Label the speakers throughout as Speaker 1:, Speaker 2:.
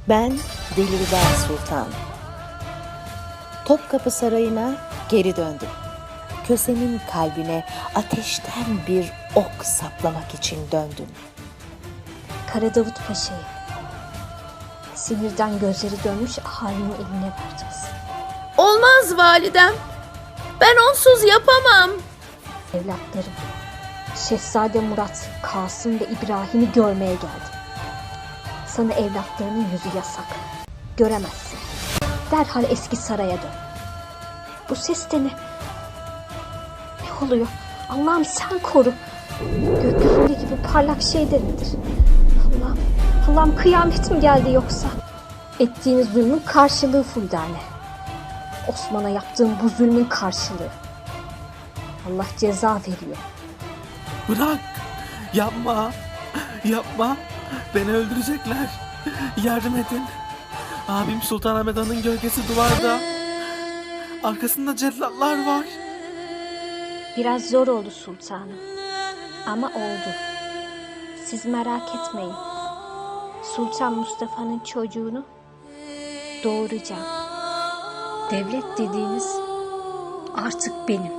Speaker 1: Ben Dilruba Sultan. Topkapı Sarayı'na geri döndüm. Kösem'in kalbine ateşten bir ok saplamak için döndüm.
Speaker 2: Kara Davut Paşa'yı sinirden gözleri dönmüş ahalinin eline vereceğiz.
Speaker 3: Olmaz validem. Ben onsuz yapamam.
Speaker 2: Evlatlarım, Şehzade Murat, Kasım ve İbrahim'i görmeye geldi. Sana evlatlarının yüzü yasak. Göremezsin. Derhal eski saraya dön. Bu ses de ne? Ne oluyor? Allah'ım sen koru. Gökyüzünde gibi parlak şey de nedir? Allah'ım kıyamet mi geldi yoksa? Ettiğiniz zulmün karşılığı Fuldane. Osman'a yaptığım bu zulmün karşılığı. Allah ceza veriyor.
Speaker 4: Bırak! Yapma! Yapma! Beni öldürecekler. Yardım edin. Abim Sultanahmet Han'ın gölgesi duvarda. Arkasında cellatlar var.
Speaker 2: Biraz zor oldu sultanım. Ama oldu. Siz merak etmeyin. Sultan Mustafa'nın çocuğunu doğuracağım. Devlet dediğiniz artık benim.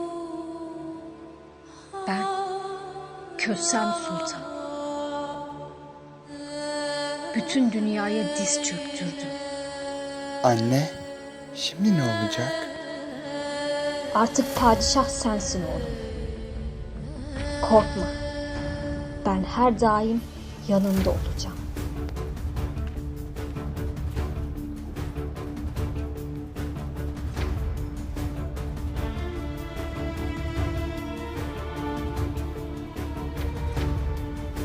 Speaker 2: Ben Kösem Sultan. Bütün dünyaya diz çöktürdüm.
Speaker 5: Anne, şimdi ne olacak?
Speaker 2: Artık padişah sensin oğlum. Korkma. Ben her daim yanında olacağım.